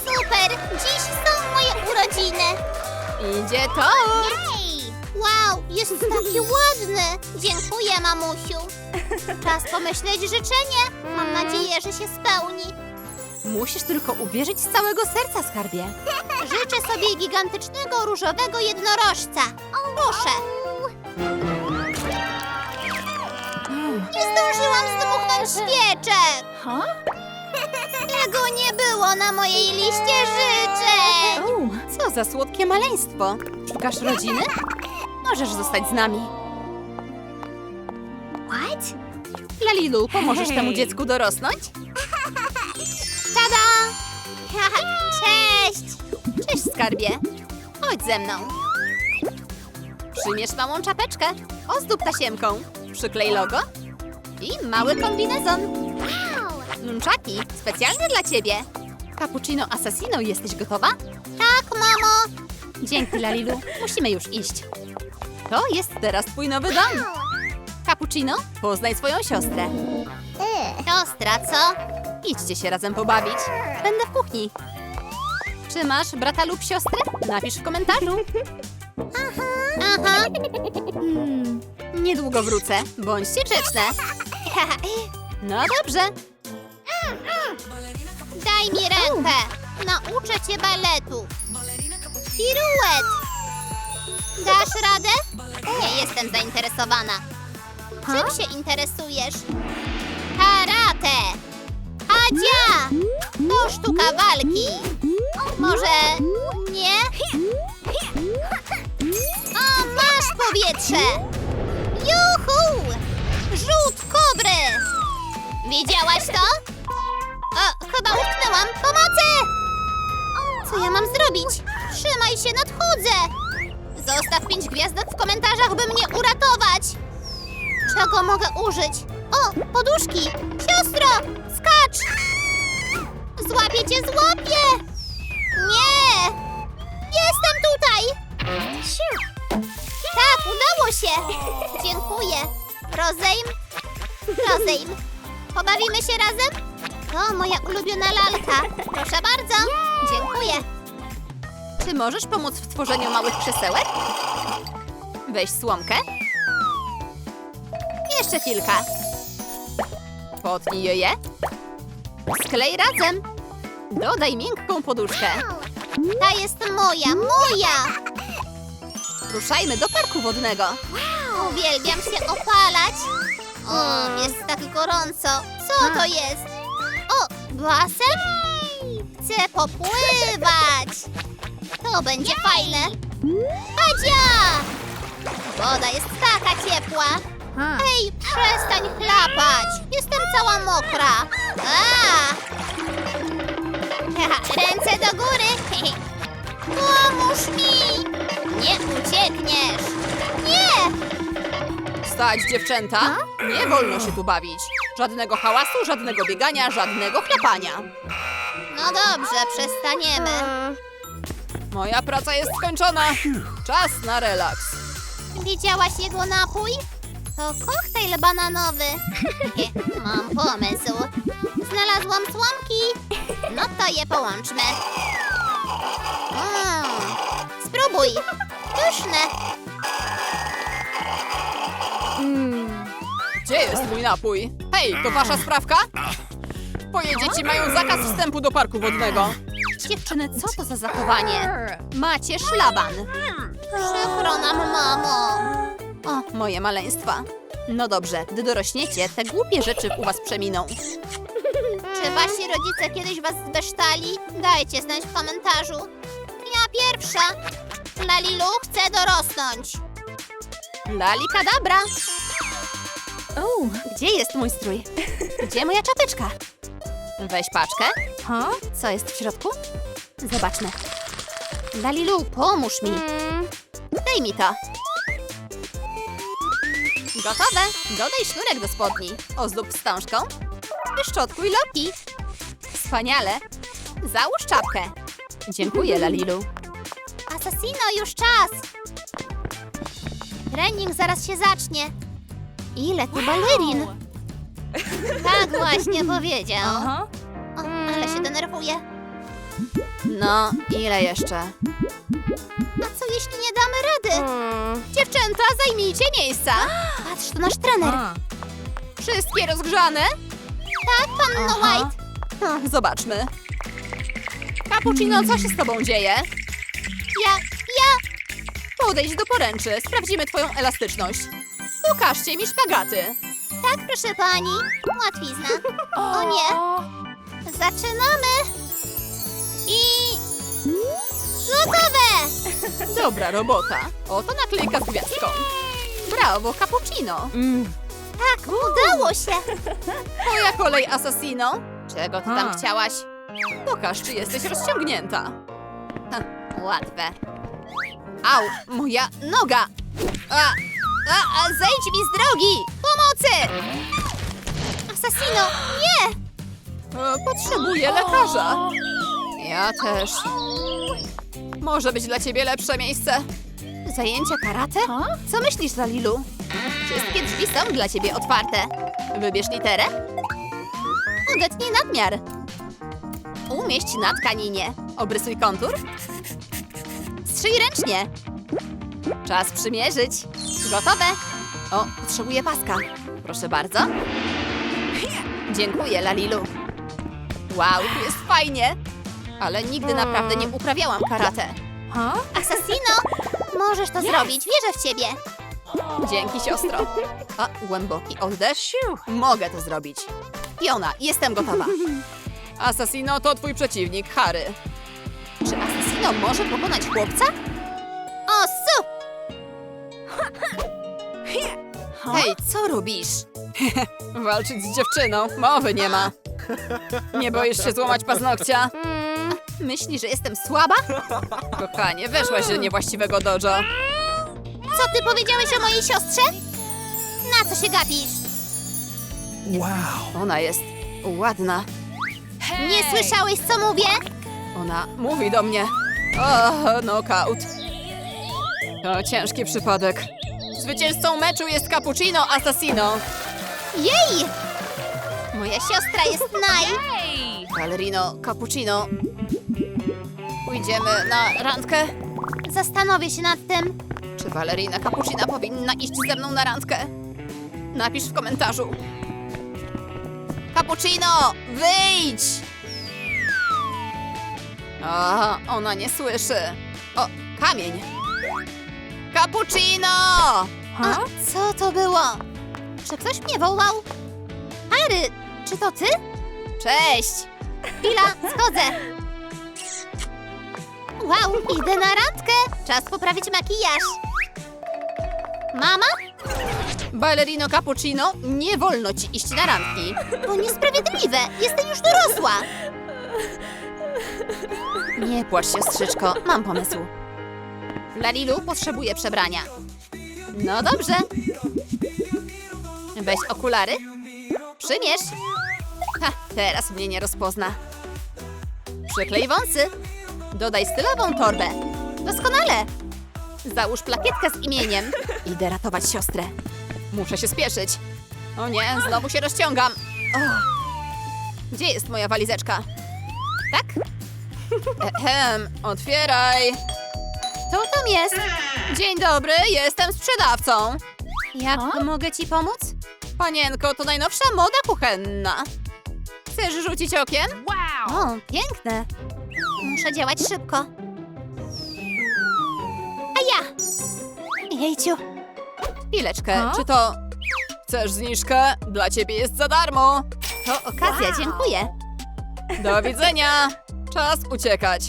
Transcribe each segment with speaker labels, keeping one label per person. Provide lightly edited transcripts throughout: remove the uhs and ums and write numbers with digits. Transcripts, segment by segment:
Speaker 1: Super! Dziś są moje urodziny!
Speaker 2: Idzie tort!
Speaker 1: Jej! Wow, jest taki ładny! Dziękuję, mamusiu! Czas pomyśleć życzenie. Mam nadzieję, że się spełni.
Speaker 2: Musisz tylko uwierzyć z całego serca, skarbie.
Speaker 1: Życzę sobie gigantycznego różowego jednorożca. Proszę! Nie zdążyłam zdmuchnąć świeczek! Tego nie było na mojej liście życzeń!
Speaker 2: Co za słodkie maleństwo. Szukasz rodziny? Możesz zostać z nami.
Speaker 1: What?
Speaker 2: Lalilu, pomożesz temu dziecku dorosnąć?
Speaker 1: Tada! Cześć!
Speaker 2: Cześć, skarbie. Chodź ze mną. Przymierz małą czapeczkę. Ozdób tasiemką. Przyklej logo. I mały kombinezon.
Speaker 1: Wow!
Speaker 2: Nunchaki, specjalnie dla ciebie. Cappuccino Assassino, jesteś gotowa?
Speaker 1: Tak, mamo!
Speaker 2: Dzięki, Lalilu. Musimy już iść. To jest teraz twój nowy dom. Cappuccino, poznaj swoją siostrę.
Speaker 1: Siostra, co?
Speaker 2: Idźcie się razem pobawić. Będę w kuchni. Czy masz brata lub siostrę? Napisz w komentarzu.
Speaker 1: Aha!
Speaker 2: Niedługo wrócę. Bądźcie grzeczne. No dobrze.
Speaker 1: Daj mi rękę! Nauczę cię baletu! Piruet! Dasz radę? Nie jestem zainteresowana. Czym się interesujesz? Karate! Hadzia! To sztuka walki! Może nie? O, masz powietrze! Juhu! Rzut kobry! Widziałaś to? O, chyba utknęłam! Pomocy! Co ja mam zrobić? Trzymaj się, nadchodzę! Zostaw 5 gwiazdek w komentarzach, by mnie uratować! Czego mogę użyć? O, poduszki! Siostro, skacz! Złapię cię, złapię! Nie! Jestem tutaj! Tak, udało się! Dziękuję. Rozejm? Rozejm. Pobawimy się razem? To moja ulubiona lalka. Proszę bardzo. Dziękuję.
Speaker 2: Czy możesz pomóc w tworzeniu małych krzesełek? Weź słomkę. Jeszcze kilka. Potnij je. Sklej razem. Dodaj miękką poduszkę.
Speaker 1: Ta jest moja, moja!
Speaker 2: Ruszajmy do parku wodnego.
Speaker 1: Uwielbiam się opalać. O, jest tak gorąco. Co to jest? O, basen? Chcę popływać. To będzie fajne. Hadzia! Woda jest taka ciepła. Ej, przestań chlapać. Jestem cała mokra. A! Ręce do góry. Pomóż mi. Nie uciekniesz. Nie!
Speaker 2: Stać, dziewczęta! Nie wolno się tu bawić. Żadnego hałasu, żadnego biegania, żadnego chlapania.
Speaker 1: No dobrze, przestaniemy.
Speaker 2: Moja praca jest skończona. Czas na relaks.
Speaker 1: Widziałaś jego napój? To koktajl bananowy. Mam pomysł. Znalazłam słomki. No to je połączmy. Spróbuj. Pyszne.
Speaker 2: Gdzie jest mój napój? Hej, to wasza sprawka? Twoje dzieci mają zakaz wstępu do parku wodnego. Dziewczyny, co to za zachowanie? Macie szlaban.
Speaker 1: Przykro nam, mamo.
Speaker 2: O, moje maleństwa. No dobrze, gdy dorośniecie, te głupie rzeczy u was przeminą.
Speaker 1: Czy wasi rodzice kiedyś was zbesztali? Dajcie znać w komentarzu. Ja pierwsza. Lalilu chce dorosnąć.
Speaker 2: Lali kadabra. Gdzie jest mój strój? Gdzie moja czapeczka? Weź paczkę. Co jest w środku? Zobaczmy. Lalilu, pomóż mi. Daj mi to. Gotowe. Dodaj sznurek do spodni. Ozdób wstążką. Wyszczotkuj loki. Wspaniale. Załóż czapkę. Dziękuję, Lalilu.
Speaker 1: Assassino, już czas. Trening zaraz się zacznie. Ile tu balerin? Tak właśnie powiedział. O, ale się denerwuję.
Speaker 2: No, ile jeszcze?
Speaker 1: A co jeśli nie damy rady?
Speaker 2: Dziewczęta, zajmijcie miejsca.
Speaker 1: Patrz, to nasz trener.
Speaker 2: Wszystkie rozgrzane?
Speaker 1: Tak, panno White.
Speaker 2: Zobaczmy. Cappuccino, co się z tobą dzieje?
Speaker 1: Ja.
Speaker 2: Podejdź do poręczy, sprawdzimy twoją elastyczność. Pokażcie mi szpagaty.
Speaker 1: Tak, proszę pani. Łatwizna. O nie. Zaczynamy. I... Gotowe!
Speaker 2: Dobra robota. Oto naklejka z gwiazdką. Brawo, cappuccino.
Speaker 1: Tak, udało się.
Speaker 2: Twoja kolej, Assassino. Czego ty tam
Speaker 3: A.
Speaker 2: chciałaś? Pokaż, czy jesteś rozciągnięta. Łatwe. Au, moja noga. Zejdź mi z drogi. Pomocy!
Speaker 1: Assassino, nie!
Speaker 2: Potrzebuję lekarza. Ja też. Może być dla ciebie lepsze miejsce. Zajęcie karate? Co myślisz, Lalilu? Wszystkie drzwi są dla ciebie otwarte. Wybierz literę. Odetnij nadmiar. Umieść na tkaninie. Obrysuj kontur. Strzyj ręcznie. Czas przymierzyć. Gotowe. O, potrzebuję paska. Proszę bardzo. Dziękuję, Lalilu. Wow, tu jest fajnie. Ale nigdy naprawdę nie uprawiałam karate.
Speaker 1: Assassino, możesz to zrobić. Wierzę w ciebie.
Speaker 2: Dzięki, siostro. A, głęboki oddech. Mogę to zrobić. Fiona, jestem gotowa. Assassino to twój przeciwnik, Harry. Czy Assassino może pokonać chłopca?
Speaker 1: O, su!
Speaker 2: Hej, co robisz? Walczyć z dziewczyną, mowy nie ma. Nie boisz się złamać paznokcia? Myślisz, że jestem słaba? Kochanie, weszłaś do niewłaściwego dojo.
Speaker 1: Co ty powiedziałeś o mojej siostrze? Na co się gapisz?
Speaker 2: Ona jest ładna.
Speaker 1: Nie słyszałeś, co mówię?
Speaker 2: Ona mówi do mnie. O, knockout. To ciężki przypadek. Zwycięzcą meczu jest Cappuccino Assassino.
Speaker 1: Jej! Moja siostra jest
Speaker 2: Ballerino Cappuccino. Pójdziemy na randkę?
Speaker 1: Zastanowię się nad tym.
Speaker 2: Czy balerina Cappuccina powinna iść ze mną na randkę? Napisz w komentarzu. Cappuccino, wyjdź! O, ona nie słyszy. O, kamień. Cappuccino!
Speaker 1: A co to było? Czy ktoś mnie wołał? Harry, czy to ty?
Speaker 2: Cześć!
Speaker 1: Chwila, schodzę. Wow, idę na randkę. Czas poprawić makijaż. Mama?
Speaker 2: Ballerino Cappuccino, nie wolno ci iść na randki.
Speaker 1: To niesprawiedliwe. Jestem już dorosła.
Speaker 2: Nie płacz, siostrzyczko, mam pomysł. Lalilu potrzebuje przebrania. No dobrze. Weź okulary. Przymierz. Ha, teraz mnie nie rozpozna. Przyklej wąsy. Dodaj stylową torbę. Doskonale. Załóż plakietkę z imieniem. Idę ratować siostrę. Muszę się spieszyć. O nie, znowu się rozciągam. O. Gdzie jest moja walizeczka? Tak? Otwieraj.
Speaker 1: Co tam jest?
Speaker 2: Dzień dobry, jestem sprzedawcą.
Speaker 1: Jak mogę ci pomóc?
Speaker 2: Panienko, to najnowsza moda kuchenna. Chcesz rzucić okiem?
Speaker 1: O, piękne. Muszę działać szybko. A ja! Jejciu.
Speaker 2: Chwileczkę, czy to... Chcesz zniżkę? Dla ciebie jest za darmo.
Speaker 1: To okazja, dziękuję.
Speaker 2: Do widzenia. Czas uciekać.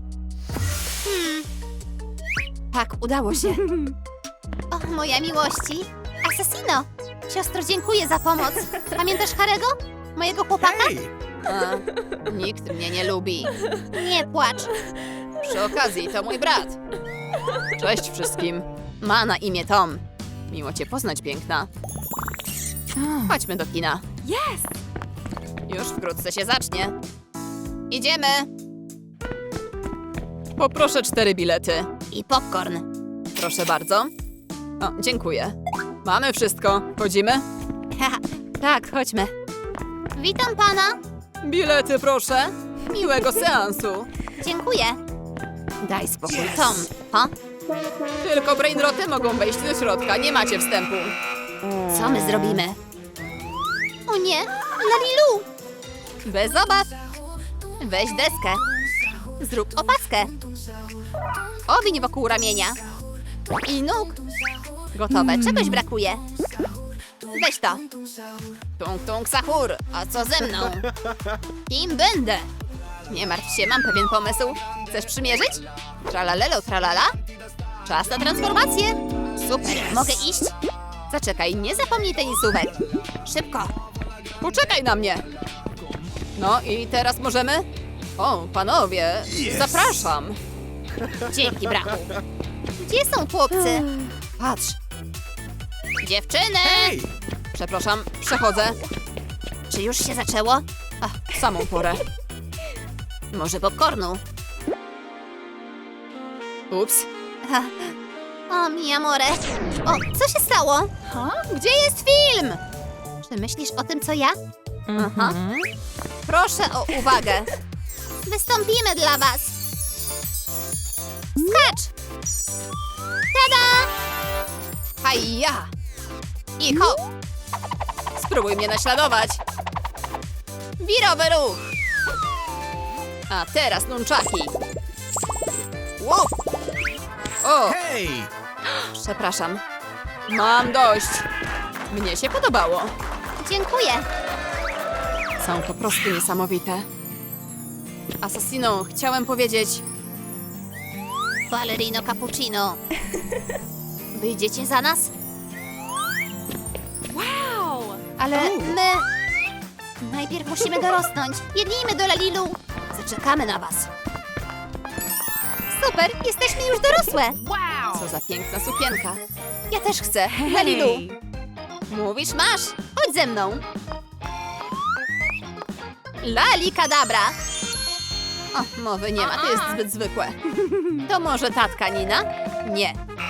Speaker 2: Tak, udało się.
Speaker 1: O, moja miłości. Assassino! Siostro, dziękuję za pomoc. Pamiętasz Harego? Mojego chłopaka?
Speaker 2: A, nikt mnie nie lubi.
Speaker 1: Nie płacz.
Speaker 2: Przy okazji, to mój brat. Cześć wszystkim. Ma na imię Tom. Miło cię poznać, piękna. Chodźmy do kina. Już wkrótce się zacznie. Idziemy. Poproszę 4 bilety.
Speaker 1: I popcorn.
Speaker 2: Proszę bardzo. O, dziękuję. Mamy wszystko. Chodzimy?
Speaker 1: Haha,
Speaker 2: Tak, chodźmy.
Speaker 1: witam pana.
Speaker 2: Bilety, proszę. Miłego seansu.
Speaker 1: Dziękuję.
Speaker 2: Daj spokój, Tom. Ha? Tylko brainroty mogą wejść do środka, nie macie wstępu. Co my zrobimy?
Speaker 1: O nie, Lalilu!
Speaker 2: Bez obaw. Weź deskę. Zrób opaskę. Owiń wokół ramienia. I nóg. Gotowe, czegoś brakuje. Weź to. Tung tung sahur, a co ze mną? Kim będę? Nie martw się, mam pewien pomysł. Chcesz przymierzyć? Tralalelo tralala? Czas na transformację. Super, mogę iść? Zaczekaj, nie zapomnij tenisówek. Szybko. Poczekaj na mnie. No i teraz możemy? O, panowie, zapraszam.
Speaker 1: Dzięki, brachu. Gdzie są chłopcy?
Speaker 2: Patrz. Dziewczyny! Przepraszam, przechodzę.
Speaker 1: Czy już się zaczęło?
Speaker 2: Ach, w samą porę.
Speaker 1: Może popcornu?
Speaker 2: Ups.
Speaker 1: O, mi amore. O, co się stało?
Speaker 2: Gdzie jest film?
Speaker 1: Czy myślisz o tym, co ja?
Speaker 2: Aha. Proszę o uwagę.
Speaker 1: Wystąpimy dla was. Skacz! Tada!
Speaker 2: Hajja! I hop! Spróbuj mnie naśladować. Wirowy ruch. A teraz nunczaki. Łup! O,
Speaker 3: Hej!
Speaker 2: przepraszam. Mam dość. Mnie się podobało.
Speaker 1: Dziękuję.
Speaker 2: Są po prostu niesamowite. Assassino, chciałem powiedzieć...
Speaker 1: Ballerino cappuccino. Wyjdziecie za nas?
Speaker 2: Ale...
Speaker 1: My... Najpierw musimy dorosnąć. Biegnijmy do Lalilu. Zaczekamy na was. Super, jesteśmy już dorosłe.
Speaker 2: Co za piękna sukienka.
Speaker 1: Ja też chcę.
Speaker 2: Lalilu. Mówisz, masz.
Speaker 1: Chodź ze mną.
Speaker 2: Lali kadabra. O, mowy nie ma, to jest zbyt zwykłe. To może tatka Nina? Nie.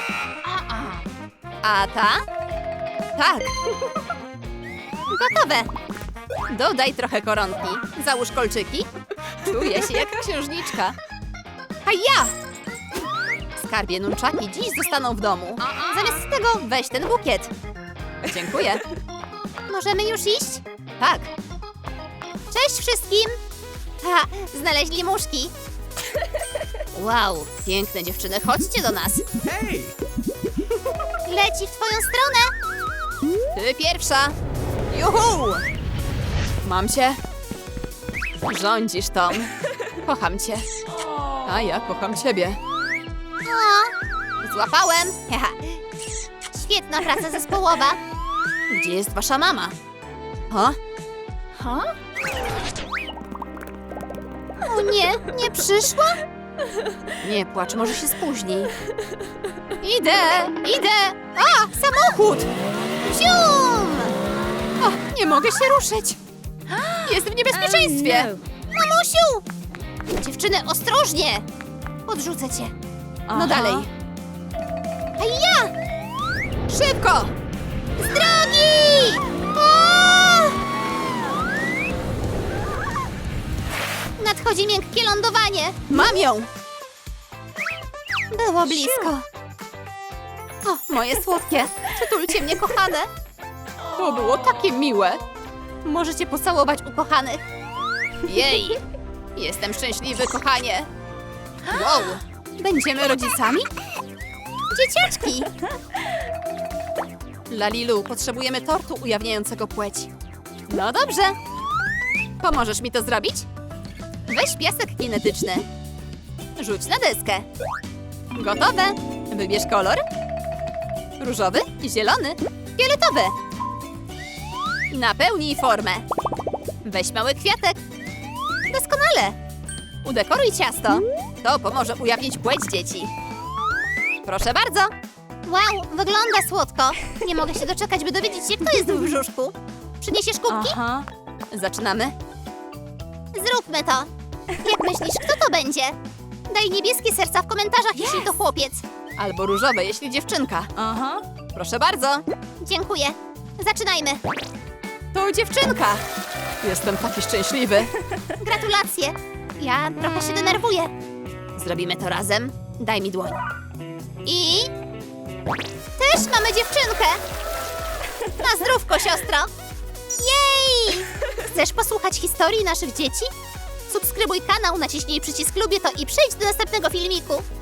Speaker 2: A ta? Tak.
Speaker 1: Gotowe.
Speaker 2: Dodaj trochę koronki. Załóż kolczyki. Czuję się jak księżniczka. A ja! Skarbie, nunczaki dziś zostaną w domu. Zamiast tego weź ten bukiet. Dziękuję.
Speaker 1: Możemy już iść?
Speaker 2: Tak.
Speaker 1: Cześć wszystkim. Ha, znaleźli muszki.
Speaker 2: Wow, piękne dziewczyny, chodźcie do nas.
Speaker 3: Hej!
Speaker 1: Leci w twoją stronę.
Speaker 2: Ty pierwsza. Juhu! Mam cię. Rządzisz, Tom. Kocham cię. A ja kocham ciebie.
Speaker 1: O,
Speaker 2: Złapałem.
Speaker 1: haha. Świetna praca zespołowa.
Speaker 2: Gdzie jest wasza mama? Ha?
Speaker 1: O nie, nie przyszła?
Speaker 2: Nie płacz, może się spóźni. Idę! A, samochód!
Speaker 1: Zium!
Speaker 2: O, nie mogę się ruszyć. Jest w niebezpieczeństwie.
Speaker 1: Mamusiu! Dziewczyny, ostrożnie! Podrzucę cię.
Speaker 2: No dalej.
Speaker 1: A ja!
Speaker 2: Szybko!
Speaker 1: Z drogi! O! Nadchodzi miękkie lądowanie.
Speaker 2: Mam ją!
Speaker 1: Było blisko.
Speaker 2: O, moje słodkie. Przytulcie mnie, kochane. To było takie miłe. Możecie pocałować ukochanych. Jej! Jestem szczęśliwy, kochanie. Wow! Będziemy rodzicami?
Speaker 1: Dzieciaczki!
Speaker 2: Lalilu, potrzebujemy tortu ujawniającego płeć. No dobrze. Pomożesz mi to zrobić? Weź piasek kinetyczny. Rzuć na deskę. Gotowe. Wybierz kolor. Różowy, zielony, fioletowy. Napełnij formę. Weź mały kwiatek. Doskonale. Udekoruj ciasto. To pomoże ujawnić płeć dzieci. Proszę bardzo.
Speaker 1: Wow, wygląda słodko. Nie mogę się doczekać, by dowiedzieć się, kto jest w brzuszku. Przyniesiesz kubki?
Speaker 2: Aha. Zaczynamy.
Speaker 1: Zróbmy to. Jak myślisz, kto to będzie? Daj niebieskie serca w komentarzach, jeśli to chłopiec.
Speaker 2: Albo różowe, jeśli dziewczynka. Aha. Proszę bardzo.
Speaker 1: Dziękuję. Zaczynajmy.
Speaker 2: To dziewczynka. Jestem taki szczęśliwy.
Speaker 1: Gratulacje. Ja trochę się denerwuję.
Speaker 2: Zrobimy to razem. Daj mi dłoń.
Speaker 1: I... Też mamy dziewczynkę! Na zdrówko, siostro! Jej! Chcesz posłuchać historii naszych dzieci? Subskrybuj kanał, naciśnij przycisk lubię to i przejdź do następnego filmiku.